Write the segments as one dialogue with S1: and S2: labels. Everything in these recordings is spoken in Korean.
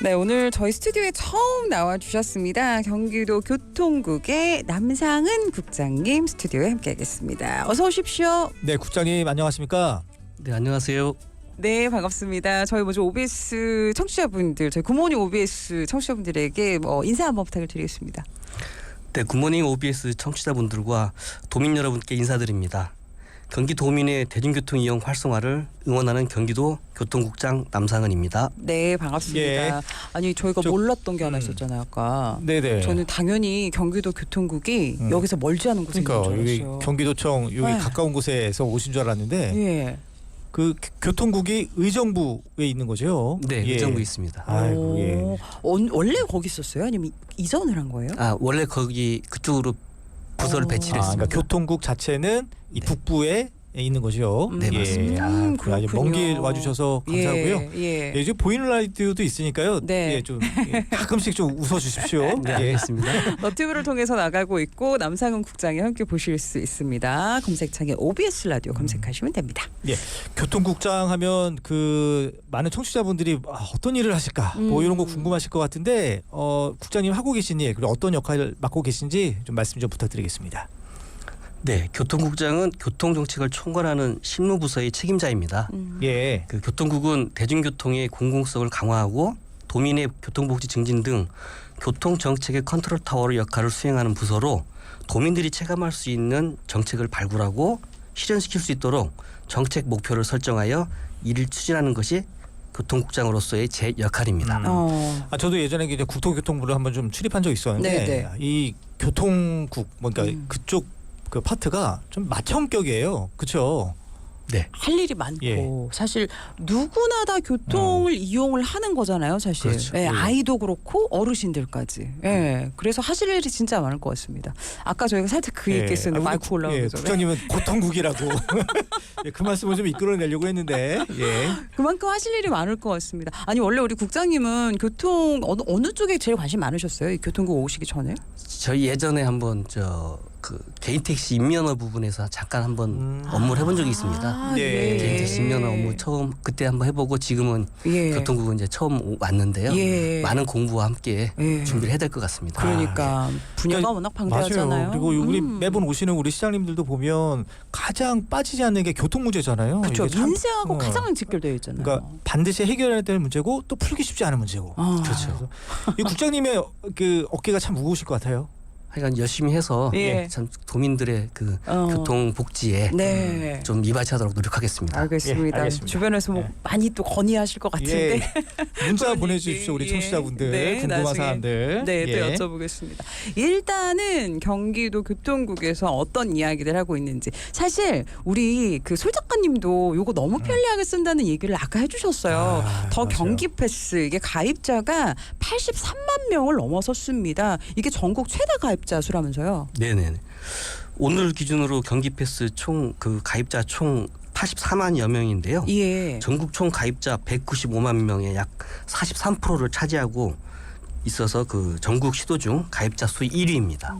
S1: 네, 오늘 저희 스튜디오에 처음 나와주셨습니다. 경기도 교통국의 남상은 국장님 스튜디오에 함께하겠습니다. 어서 오십시오.
S2: 네, 국장님 안녕하십니까?
S3: 네, 안녕하세요.
S1: 네, 반갑습니다. 저희 먼저 OBS 청취자분들, 저희 굿모닝 OBS 청취자분들에게 인사 한번 부탁을 드리겠습니다.
S3: 네, 굿모닝 OBS 청취자분들과 도민 여러분께 인사드립니다. 경기 도민의 대중교통 이용 활성화를 응원하는 경기도 교통국장 남상은입니다.
S1: 네, 반갑습니다.
S2: 예.
S1: 아니, 저희가 몰랐던 게 하나 있었잖아요, 아까.
S2: 네네.
S1: 저는 당연히 경기도 교통국이 여기서 멀지 않은 곳에 있는 줄
S2: 그러니까 여기
S1: 알았어요.
S2: 경기도청 여기
S1: 네.
S2: 가까운 곳에서 오신 줄 알았는데
S1: 예.
S2: 그 교통국이 의정부에 있는 거죠?
S3: 네,
S2: 예.
S3: 의정부에 있습니다.
S2: 아이고, 예.
S1: 원래 거기 있었어요? 아니면 이전을 한 거예요?
S3: 원래 거기 그쪽으로 부서를 배치를
S2: 그러니까
S3: 했습니다.
S2: 교통국 자체는 이
S3: 네.
S2: 북부에 있는 거죠.
S3: 네, 맞습니다.
S2: 아주
S1: 그렇군요.
S2: 먼 길 와주셔서 감사하고요.
S1: 예.
S2: 예, 지금 보이는 라디오도 있으니까요.
S1: 네.
S2: 예, 좀 가끔씩 좀 웃어주십시오.
S3: 네,
S2: 예.
S3: 알겠습니다.
S1: 너튜브를 통해서 나가고 있고 남상은 국장이 함께 보실 수 있습니다. 검색창에 OBS 라디오 검색하시면 됩니다.
S2: 예, 교통국장 하면 그 많은 청취자분들이 어떤 일을 하실까 뭐 이런 거 궁금하실 것 같은데 국장님 하고 계신 일 그리고 어떤 역할을 맡고 계신지 좀 말씀 좀 부탁드리겠습니다.
S3: 네, 교통국장은 교통정책을 총괄하는 실무부서의 책임자입니다.
S2: 예,
S3: 그 교통국은 대중교통의 공공성을 강화하고 도민의 교통복지 증진 등 교통정책의 컨트롤 타워의 역할을 수행하는 부서로 도민들이 체감할 수 있는 정책을 발굴하고 실현시킬 수 있도록 정책 목표를 설정하여 이를 추진하는 것이 교통국장으로서의 제 역할입니다.
S2: 저도 예전에 이제 국토교통부를 한번 좀 출입한 적 있었는데
S1: 네.
S2: 이 교통국 그러니까 그쪽 그 파트가 좀 맏형격이에요. 그렇죠?
S3: 네.
S1: 할 일이 많고
S2: 예.
S1: 사실 누구나 다 교통을 이용을 하는 거잖아요, 사실.
S3: 그렇죠.
S1: 예,
S2: 예.
S1: 아이도 그렇고 어르신들까지. 예, 그래서 하실 일이 진짜 많을 것 같습니다. 아까 저희가 살짝 그 얘기했었는데
S2: 우리
S1: 마이크 올라오기 전에.
S2: 국장님은 고통국이라고 예, 그 말씀을 좀 이끌어내려고 했는데 예.
S1: 그만큼 하실 일이 많을 것 같습니다. 아니 원래 우리 국장님은 교통 어느 쪽에 제일 관심 많으셨어요? 이 교통국 오시기 전에?
S3: 저희 예전에 한번 그 개인 택시 인면허 부분에서 잠깐 한번 업무를 해본 적이 있습니다.
S2: 네.
S3: 개인 택시 인면허 업무 처음 그때 한번 해보고 지금은
S1: 예.
S3: 교통국은 이제 처음 왔는데요.
S1: 예.
S3: 많은 공부와 함께
S1: 예.
S3: 준비를 해야 될 것 같습니다.
S1: 그러니까 분야가 워낙 방대하잖아요.
S2: 맞아요. 그리고 우리 매번 오시는 우리 시장님들도 보면 가장 빠지지 않는 게 교통 문제잖아요.
S1: 그렇죠.
S2: 이게 참,
S1: 민생하고 가장 직결되어 있잖아요.
S2: 그러니까 반드시 해결해야 될 문제고 또 풀기 쉽지 않은 문제고.
S3: 그렇죠.
S2: 이 국장님의 그 어깨가 참 무거우실 것 같아요.
S3: 하여간 열심히 해서
S1: 예.
S3: 참 도민들의 그 교통 복지에
S1: 네.
S3: 좀 이바지하도록 노력하겠습니다.
S1: 알겠습니다.
S2: 예, 알겠습니다.
S1: 주변에서 뭐
S2: 예.
S1: 많이 또 건의하실 것 같은데.
S2: 문자
S1: 그런
S2: 보내주십시오. 우리
S1: 얘기.
S2: 청취자분들
S1: 네,
S2: 궁금한
S1: 나중에.
S2: 사람들.
S1: 네,
S2: 예.
S1: 또 여쭤보겠습니다. 일단은 경기도 교통국에서 어떤 이야기들 하고 있는지. 사실 우리 그 솔 작가님도 요거 너무 편리하게 쓴다는 얘기를 아까 해주셨어요. 더
S2: 맞아요.
S1: 경기 패스 이게 가입자가 83만 명을 넘어섰습니다. 이게 전국 최다 가입자 수라면서요.
S3: 네네. 오늘 기준으로 경기 패스 총 그 가입자 총 84만여 명인데요.
S1: 예.
S3: 전국 총 가입자 195만 명의 약 43%를 차지하고 있어서 그 전국 시도 중 가입자 수 1위입니다.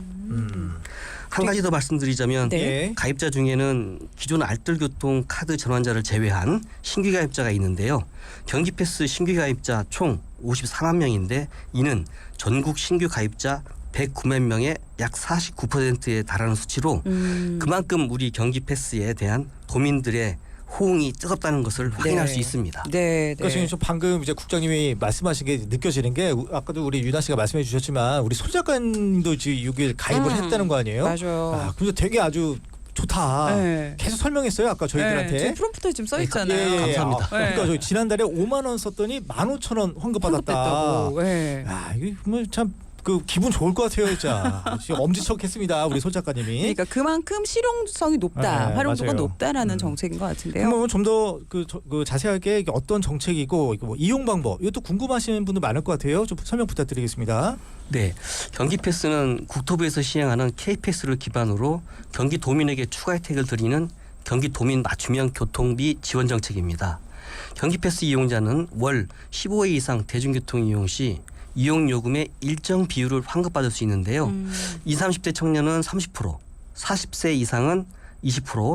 S3: 한 가지 더 말씀드리자면
S1: 네.
S2: 예.
S3: 가입자 중에는 기존 알뜰교통 카드 전환자를 제외한 신규 가입자가 있는데요. 경기패스 신규 가입자 총 54만 명인데 이는 전국 신규 가입자 109만 명의 약 49%에 달하는 수치로 그만큼 우리 경기패스에 대한 도민들의 호응이 뜨겁다는 것을 확인할 수 있습니다.
S1: 네,
S2: 그러니까 지금 저 방금 이제 국장님이 말씀하신 게 느껴지는 게 아까도 우리 유나 씨가 말씀해 주셨지만 우리 소 작가님도 지금 여기 가입을 했다는 거 아니에요?
S1: 맞아요.
S2: 근데 되게 아주 좋다.
S1: 네.
S2: 계속 설명했어요 아까 저희들한테.
S1: 네, 프롬프트에 지금 써 있잖아요.
S2: 예, 예, 예.
S3: 감사합니다.
S2: 그러니까 저 지난달에 5만 원 썼더니 15,000원 환급받았다.
S1: 환급됐다고. 네.
S2: 이게 참 그 기분 좋을 것 같아요, 진짜. 지금 엄지척했습니다, 우리 소 작가님이.
S1: 그러니까 그만큼 실용성이 높다,
S2: 네,
S1: 활용도가
S2: 맞아요.
S1: 높다라는 정책인 것 같은데요.
S2: 그러면 좀 더 그 자세하게 이게 어떤 정책이고 뭐 이용 방법 이것도 궁금하시는 분들 많을 것 같아요. 좀 설명 부탁드리겠습니다.
S3: 네, 경기패스는 국토부에서 시행하는 K패스를 기반으로 경기 도민에게 추가 혜택을 드리는 경기 도민 맞춤형 교통비 지원 정책입니다. 경기패스 이용자는 월 15회 이상 대중교통 이용 시 이용 요금의 일정 비율을 환급받을 수 있는데요. 20, 30대 청년은 30%, 40세 이상은 20%,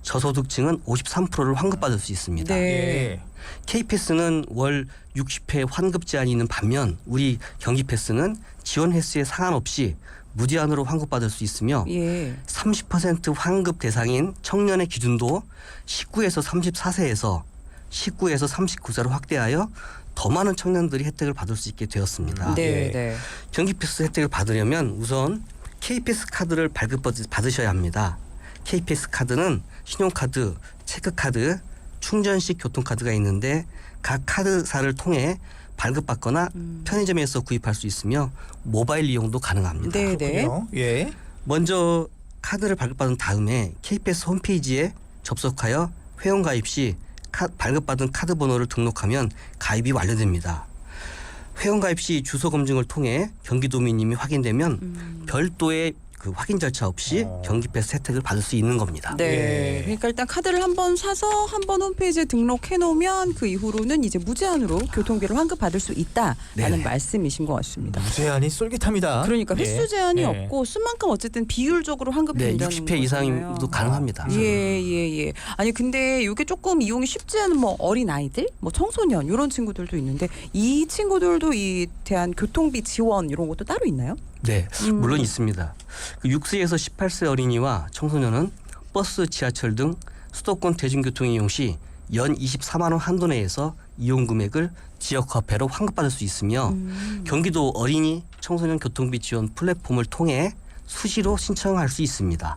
S3: 저소득층은 53%를 환급받을 수 있습니다.
S1: 네.
S2: 예.
S3: K패스는 월 60회 환급 제한이 있는 반면 우리 경기패스는 지원 횟수에 상관없이 무제한으로 환급받을 수 있으며
S1: 예.
S3: 30% 환급 대상인 청년의 기준도 19에서 34세에서 19에서 39세로 확대하여 더 많은 청년들이 혜택을 받을 수 있게 되었습니다.
S1: 네.
S2: 예.
S1: 네.
S3: 경기패스 혜택을 받으려면 우선 K패스 카드를 발급받으셔야 합니다. K패스 카드는 신용카드, 체크카드, 충전식 교통카드가 있는데 각 카드사를 통해 발급받거나 편의점에서 구입할 수 있으며 모바일 이용도 가능합니다.
S1: 네.
S2: 그렇군요. 예.
S3: 먼저 카드를 발급받은 다음에 K패스 홈페이지에 접속하여 회원가입 시 발급받은 카드 번호를 등록하면 가입이 완료됩니다. 회원가입 시 주소 검증을 통해 경기도민임이 확인되면 별도의 그 확인 절차 없이 경기패스 혜택을 받을 수 있는 겁니다.
S1: 네.
S2: 예.
S1: 그러니까 일단 카드를 한번 사서 한번 홈페이지에 등록해 놓으면 그 이후로는 이제 무제한으로 교통비를 환급받을 수 있다라는
S3: 네네.
S1: 말씀이신 것 같습니다.
S2: 무제한이 쏠깃합니다.
S1: 그러니까 횟수 제한이
S2: 예.
S1: 없고 쓴 만큼 어쨌든 비율적으로
S3: 네,
S1: 환급된다는
S3: 60회
S1: 거잖아요.
S3: 이상도 가능합니다.
S1: 예. 아니 근데 이게 조금 이용이 쉽지 않은 뭐 어린 아이들, 뭐 청소년 이런 친구들도 있는데 이 친구들도 이 대한 교통비 지원 이런 것도 따로 있나요?
S3: 네, 물론 있습니다. 그 6세에서 18세 어린이와 청소년은 버스, 지하철 등 수도권 대중교통 이용 시 연 24만 원 한도 내에서 이용 금액을 지역 화폐로 환급받을 수 있으며 경기도 어린이 청소년 교통비 지원 플랫폼을 통해 수시로 신청할 수 있습니다.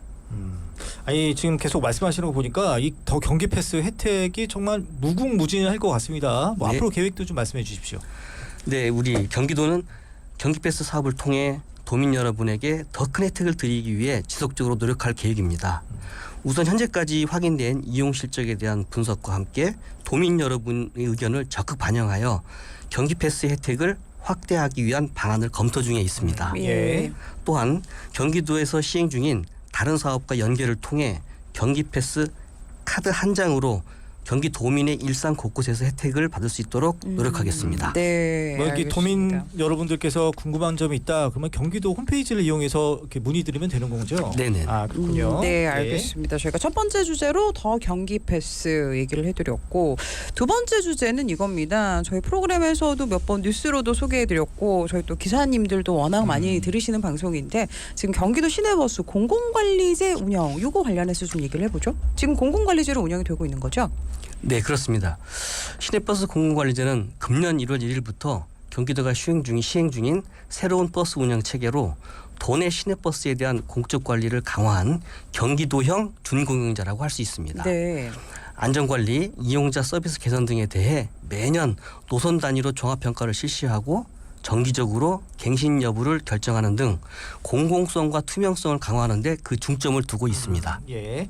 S2: 아니 지금 계속 말씀하시는 거 보니까 이 더 경기 패스 혜택이 정말 무궁무진할 것 같습니다. 뭐
S3: 네.
S2: 앞으로 계획도 좀 말씀해 주십시오.
S3: 네, 우리 경기도는 경기패스 사업을 통해 도민 여러분에게 더 큰 혜택을 드리기 위해 지속적으로 노력할 계획입니다. 우선 현재까지 확인된 이용 실적에 대한 분석과 함께 도민 여러분의 의견을 적극 반영하여 경기패스 혜택을 확대하기 위한 방안을 검토 중에 있습니다.
S2: 예.
S3: 또한 경기도에서 시행 중인 다른 사업과 연계를 통해 경기패스 카드 한 장으로 경기 도민의 일상 곳곳에서 혜택을 받을 수 있도록 노력하겠습니다.
S1: 네.
S2: 뭐 이렇게
S1: 알겠습니다.
S2: 도민 여러분들께서 궁금한 점이 있다 그러면 경기도 홈페이지를 이용해서 이렇게 문의드리면 되는 거죠?
S3: 네네.
S2: 아 그렇군요.
S1: 네, 알겠습니다. 저희가 첫 번째 주제로 더 경기 패스 얘기를 해드렸고 두 번째 주제는 이겁니다. 저희 프로그램에서도 몇 번 뉴스로도 소개해드렸고 저희 또 기사님들도 워낙 많이 들으시는 방송인데 지금 경기도 시내버스 공공관리제 운영 이거 관련해서 좀 얘기를 해보죠. 지금 공공관리제로 운영이 되고 있는 거죠?
S3: 네, 그렇습니다. 시내버스 공공관리제는 금년 1월 1일부터 경기도가 시행 중인 새로운 버스 운영 체계로 도내 시내버스에 대한 공적 관리를 강화한 경기도형 준공영제라고 할 수 있습니다.
S1: 네.
S3: 안전관리, 이용자 서비스 개선 등에 대해 매년 노선 단위로 종합평가를 실시하고 정기적으로 갱신 여부를 결정하는 등 공공성과 투명성을 강화하는 데 그 중점을 두고 있습니다.
S2: 예,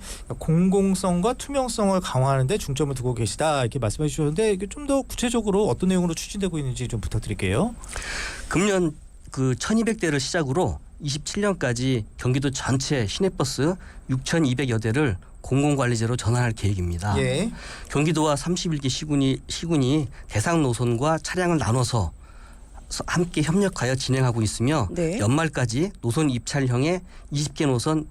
S2: 공공성과 투명성을 강화하는 데 중점을 두고 계시다 이렇게 말씀해 주셨는데 이게 좀 더 구체적으로 어떤 내용으로 추진되고 있는지 좀 부탁드릴게요.
S3: 금년 그 1,200대를 시작으로 27년까지 경기도 전체 시내버스 6,200여 대를 공공관리제로 전환할 계획입니다.
S2: 예.
S3: 경기도와 31개 시군이 대상 노선과 차량을 나눠서 함께 협력하여 진행하고 있으며
S1: 네.
S3: 연말까지 노선 입찰형의 20개 노선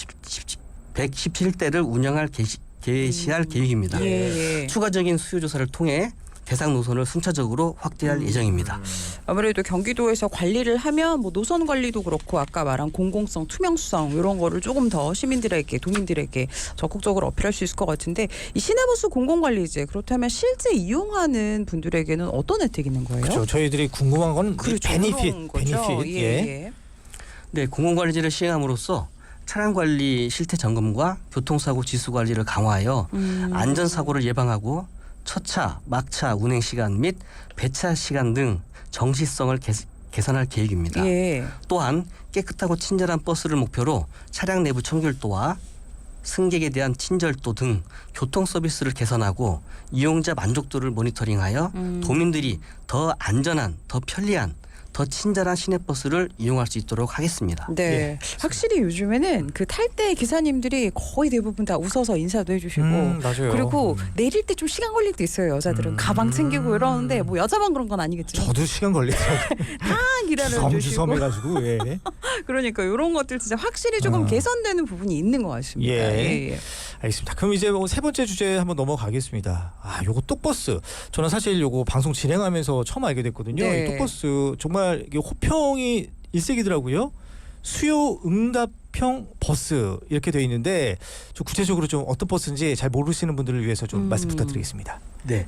S3: 117대를 운영할 개시할 계획입니다.
S1: 예.
S3: 추가적인 수요 조사를 통해 대상 노선을 순차적으로 확대할 예정입니다.
S1: 아무래도 경기도에서 관리를 하면 뭐 노선 관리도 그렇고 아까 말한 공공성, 투명성 이런 거를 조금 더 시민들에게, 도민들에게 적극적으로 어필할 수 있을 것 같은데 이 시내버스 공공관리제 그렇다면 실제 이용하는 분들에게는 어떤 혜택이 있는 거예요?
S2: 그렇죠. 저희들이 궁금한 건
S1: 그렇죠.
S2: 베니핏.
S1: 예.
S3: 네, 공공관리제를 시행함으로써 차량 관리 실태 점검과 교통사고 지수 관리를 강화하여 안전사고를 예방하고 첫차, 막차 운행 시간 및 배차 시간 등 정시성을 개선할 계획입니다.
S1: 예.
S3: 또한 깨끗하고 친절한 버스를 목표로 차량 내부 청결도와 승객에 대한 친절도 등 교통 서비스를 개선하고 이용자 만족도를 모니터링하여 도민들이 더 안전한, 더 편리한, 더 더 친절한 시내버스를 이용할 수 있도록 하겠습니다.
S1: 네,
S2: 예.
S1: 확실히 요즘에는 그 탈 때 기사님들이 거의 대부분 다 웃어서 인사도 해주시고
S2: 맞아요.
S1: 그리고 내릴 때 좀 시간 걸릴 때 있어요. 여자들은 가방 챙기고 이러는데 뭐 여자만 그런 건 아니겠지만
S2: 저도 시간 걸리더라고요.
S1: 다 기다려 주시고
S2: 주섬주섬해가지고 예.
S1: 그러니까 이런 것들 진짜 확실히 조금 개선되는 부분이 있는 것 같습니다.
S2: 예. 알겠습니다. 그럼 이제 뭐 세 번째 주제 한번 넘어가겠습니다. 요거 똑버스. 저는 사실 요거 방송 진행하면서 처음 알게 됐거든요.
S1: 네.
S2: 이 똑버스 정말 이게 호평이 일색이더라고요. 수요 응답형 버스 이렇게 되어 있는데 좀 구체적으로 좀 어떤 버스인지 잘 모르시는 분들을 위해서 좀 말씀 부탁드리겠습니다.
S3: 네,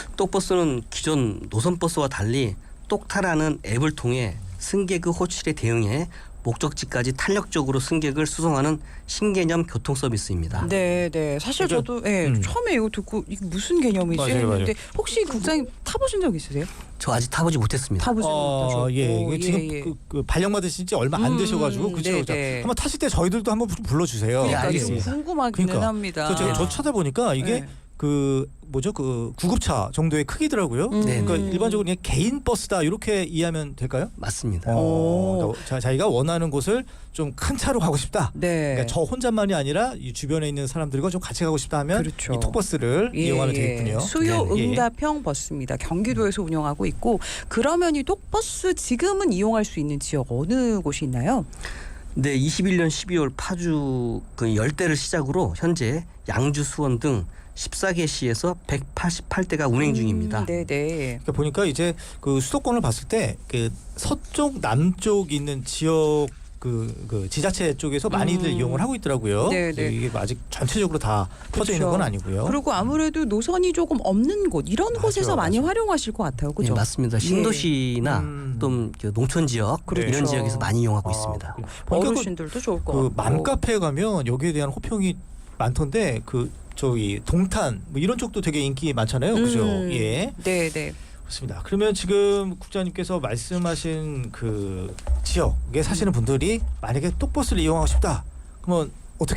S3: 똑버스는 기존 노선버스와 달리 똑타라는 앱을 통해 승객의 호출에 대응해 목적지까지 탄력적으로 승객을 수송하는 신개념 교통 서비스입니다.
S1: 네, 네. 사실
S2: 그러니까,
S1: 저도 처음에 이거 듣고 이게 무슨 개념이지
S2: 맞아요,
S1: 했는데 혹시 국장님 타보신 적 있으세요?
S3: 저 아직 타보지 못했습니다.
S1: 타보지 못하셨고
S2: 예. 이게 지금 그 발령 받으신 지 얼마 안 되셔가지고 그죠?
S1: 네,
S2: 자,
S1: 네.
S2: 한번 타실 때 저희들도 한번 불러주세요.
S3: 네,
S1: 그러니까 좀
S3: 알겠습니다.
S1: 궁금하기는
S2: 그러니까.
S1: 합니다.
S2: 저 찾아보니까 이게
S1: 네.
S2: 그 뭐죠? 그 구급차 정도의 크기더라고요.
S3: 네,
S2: 그러니까 일반적으로 그냥 개인 버스다 이렇게 이해하면 될까요?
S3: 맞습니다.
S1: 오.
S2: 자기가 원하는 곳을 좀 큰 차로 가고 싶다.
S1: 네.
S2: 그러니까 저 혼자만이 아니라 이 주변에 있는 사람들과 좀 같이 가고 싶다 하면
S1: 그렇죠.
S2: 이 톡버스를 이용하면 되겠군요.
S1: 수요
S2: 네.
S1: 응답형 버스입니다. 경기도에서 운영하고 있고 그러면 이 톡버스 지금은 이용할 수 있는 지역 어느 곳이 있나요?
S3: 네, 21년 12월 파주 그 10대를 시작으로 현재 양주, 수원 등 14개 시에서 188대가 운행 중입니다.
S1: 네, 네.
S2: 그러니까 보니까 이제 그 수도권을 봤을 때 그 서쪽 남쪽 있는 지역 그 지자체 쪽에서 많이들 이용을 하고 있더라고요.
S1: 네, 네.
S2: 이게 아직 전체적으로 다 퍼져 있는 건 아니고요.
S1: 그리고 아무래도 노선이 조금 없는 곳 이런
S2: 맞아요,
S1: 곳에서 많이
S2: 맞아요.
S1: 활용하실 것 같아요.
S3: 네,
S1: 그죠?
S3: 맞습니다. 신도시나 또 농촌 지역
S1: 그렇죠.
S3: 이런 지역에서 많이 이용하고 있습니다.
S2: 보니까
S1: 어르신들도 좋을 것
S2: 그
S1: 같고.
S2: 맘카페에 가면 여기에 대한 호평이 많던데 그 저기 동탄 뭐 이런 쪽도 되게 인기 많잖아요. 그죠? 예.
S1: 네, 네.
S2: 그렇습니다. 그러면 지금 국장님께서 말씀하신 그 지역에 사시는 분들이 만약에 똑버스를 이용하고 싶다. 그러면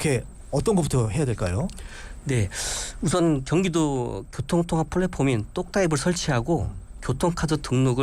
S2: 어떤 것부터 해야 될까요?
S3: 네, 우선 경기도 교통통합 플랫폼인 똑타입을 설치하고 교통카드 등록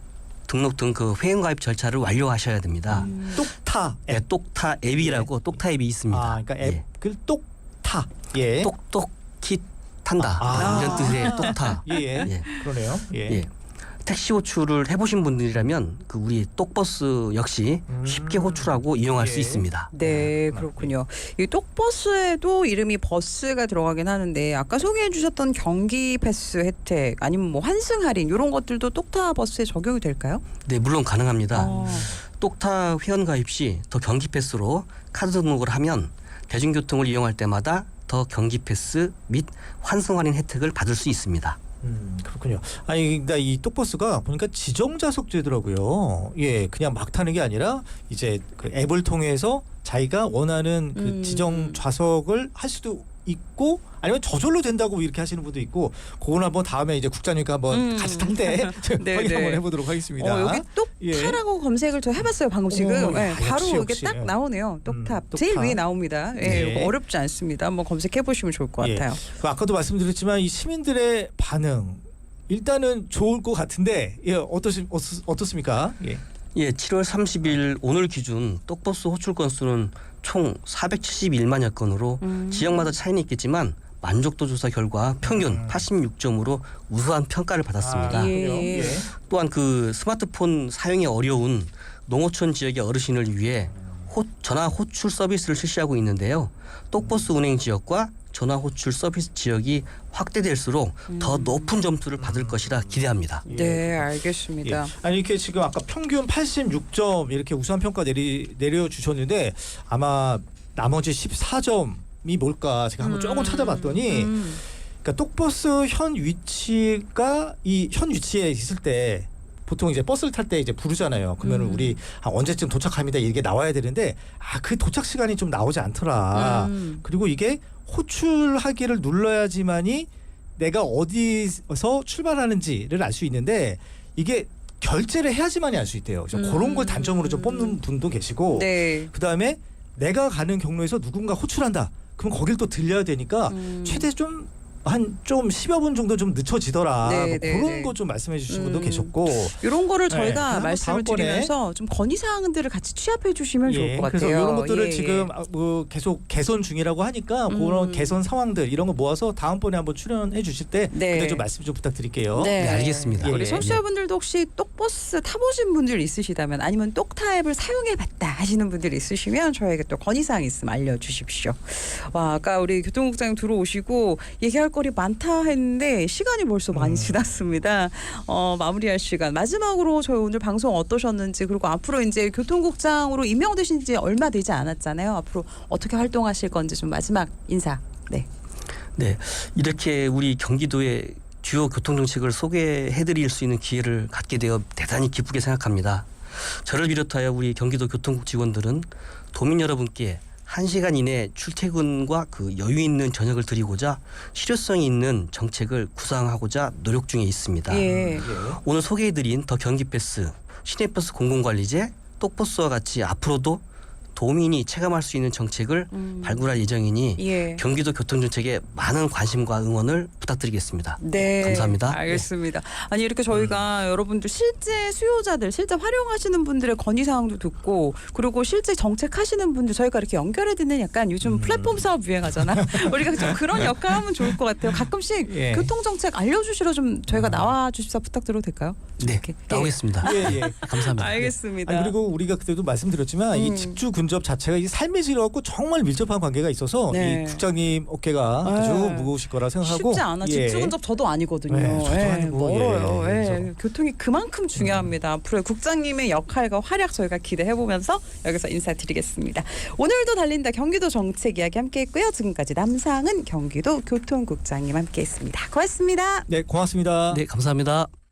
S3: 등 그 회원가입 절차를 완료하셔야 됩니다.
S2: 똑타
S3: 네, 똑타 앱이라고 똑타 앱이 있습니다.
S2: 그러니까
S3: 예.
S2: 앱을 똑타. 예.
S3: 똑똑히 탄다 이런 뜻의 똑타.
S2: 예.
S3: 예.
S2: 그러네요. 예.
S3: 예. 택시 호출을 해보신 분들이라면 그 우리 똑버스 역시 쉽게 호출하고 이용할 수
S2: 예.
S3: 있습니다.
S1: 네, 그렇군요. 이 똑버스에도 이름이 버스가 들어가긴 하는데 아까 소개해 주셨던 경기 패스 혜택 아니면 뭐 환승 할인 이런 것들도 똑타 버스에 적용이 될까요?
S3: 네, 물론 가능합니다.
S1: 어.
S3: 똑타 회원 가입 시 더 경기 패스로 카드 등록을 하면 대중교통을 이용할 때마다 더 경기 패스 및 환승 할인 혜택을 받을 수 있습니다.
S2: 그렇군요. 아니, 그러니까 이 똑버스가 보니까 지정 좌석제더라고요. 예, 그냥 막 타는 게 아니라 이제 그 앱을 통해서 자기가 원하는 그 지정 좌석을 할 수도 있고 아니면 저절로 된다고 이렇게 하시는 분도 있고 그건 한번 다음에 이제 국장님과 한번 같이 탈 때
S1: 네,
S2: 확인
S1: 네.
S2: 한번 해보도록 하겠습니다.
S1: 여기 똑타라고 검색을 저 해봤어요 방금 지금. 네, 바로
S2: 역시.
S1: 이게 딱 나오네요. 똑탑
S2: 똑탑.
S1: 제일 위에 나옵니다. 예,
S2: 네.
S1: 이거 어렵지 않습니다. 한번 검색해 보시면 좋을 것
S2: 예.
S1: 같아요.
S2: 그 아까도 말씀드렸지만 이 시민들의 반응 일단은 좋을 것 같은데 예, 어떻습니까? 예.
S3: 예, 7월 30일 오늘 기준 똑버스 호출 건수는 총 471만여 건으로 지역마다 차이는 있겠지만 만족도 조사 결과 평균 86점으로 우수한 평가를 받았습니다.
S1: 예.
S3: 또한 그 스마트폰 사용이 어려운 농어촌 지역의 어르신을 위해 전화 호출 서비스를 실시하고 있는데요. 똑버스 운행 지역과 전화 호출 서비스 지역이 확대될수록 더 높은 점수를 받을 것이라 기대합니다.
S1: 네, 알겠습니다.
S2: 예. 아니 이렇게 지금 아까 평균 86점 이렇게 우수한 평가 내려주셨는데 아마 나머지 14점이 뭘까 제가 한번 조금 찾아봤더니 그러니까 똑버스 현 위치가 이 현 위치에 있을 때 보통 이제 버스를 탈 때 이제 부르잖아요. 그러면 우리 언제쯤 도착합니다 이게 나와야 되는데 그 도착 시간이 좀 나오지 않더라. 그리고 이게 호출하기를 눌러야지만이 내가 어디서 출발하는지를 알 수 있는데 이게 결제를 해야지만이 알 수 있대요. 그래서 그런 걸 단점으로 좀 뽑는 분도 계시고
S1: 네.
S2: 그다음에 내가 가는 경로에서 누군가 호출한다. 그럼 거길 또 들려야 되니까 최대 좀 한 좀 10여 분 정도 좀 늦춰지더라.
S1: 네,
S2: 뭐
S1: 네,
S2: 그런
S1: 네.
S2: 거 좀 말씀해 주신 분도 계셨고.
S1: 이런 거를
S2: 네,
S1: 저희가
S2: 그럼
S1: 말씀을
S2: 다음번에
S1: 드리면서 좀 건의 사항들을 같이 취합해 주시면 좋을 것 같아요.
S2: 그래서 이런 것들을
S1: 예,
S2: 지금
S1: 예.
S2: 뭐 계속 개선 중이라고 하니까 그런 개선 상황들 이런 거 모아서 다음번에 한번 출연해 주실 때
S1: 네.
S2: 그때 좀 말씀 좀 부탁드릴게요.
S3: 네, 알겠습니다.
S2: 예,
S1: 우리
S2: 예.
S1: 청취자분들도 혹시 똑버스 타보신 분들 있으시다면 아니면 똑타 앱을 사용해봤다 하시는 분들 있으시면 저에게 또 건의사항 있으면 알려주십시오. 와, 아까 우리 교통국장님 들어오시고 얘기할 거리 많다 했는데 시간이 벌써 많이 지났습니다. 마무리할 시간. 마지막으로 저희 오늘 방송 어떠셨는지 그리고 앞으로 이제 교통국장으로 임명되신 지 얼마 되지 않았잖아요. 앞으로 어떻게 활동하실 건지 좀 마지막 인사. 네.
S3: 네, 이렇게 우리 경기도의 주요 교통정책을 소개해드릴 수 있는 기회를 갖게 되어 대단히 기쁘게 생각합니다. 저를 비롯하여 우리 경기도 교통국 직원들은 도민 여러분께 1시간 이내 출퇴근과 그 여유 있는 저녁을 드리고자 실효성이 있는 정책을 구상하고자 노력 중에 있습니다.
S1: 예.
S3: 오늘 소개해드린 더 경기패스, 시내버스 공공관리제, 똑버스와 같이 앞으로도 도민이 체감할 수 있는 정책을 발굴할 예정이니
S1: 예.
S3: 경기도 교통정책에 많은 관심과 응원을 부탁드리겠습니다.
S1: 네,
S3: 감사합니다.
S1: 알겠습니다. 아니 이렇게 저희가 여러분들 실제 수요자들, 실제 활용하시는 분들의 건의사항도 듣고 그리고 실제 정책하시는 분들 저희가 이렇게 연결해 듣는 약간 요즘 플랫폼 사업 유행하잖아. 우리가 좀 그런 역할 하면 좋을 것 같아요. 가끔씩
S2: 예.
S1: 교통정책 알려주시러 좀 저희가 나와 주십사 부탁드려도 될까요?
S3: 네,
S1: 이렇게.
S3: 나오겠습니다.
S2: 예, 예.
S3: 감사합니다.
S1: 알겠습니다.
S2: 아니, 그리고 우리가 그때도 말씀드렸지만 이 직주 근접 자체가 이 삶의 질에 갖고 정말 밀접한 관계가 있어서
S1: 네.
S2: 이 국장님 어깨가 아주
S1: 네.
S2: 무거우실 거라 생각하고
S1: 쉽지 않아.
S2: 예.
S1: 집주근접 저도 아니거든요.
S2: 네, 저도 아니고,
S1: 멀어요.
S2: 예.
S1: 예.
S2: 그래서.
S1: 교통이 그만큼 중요합니다. 앞으로 국장님의 역할과 활약 저희가 기대해보면서 여기서 인사드리겠습니다. 오늘도 달린다 경기도 정책 이야기 함께했고요. 지금까지 남상은 경기도 교통국장님 함께했습니다. 고맙습니다.
S2: 네, 고맙습니다.
S3: 네, 감사합니다.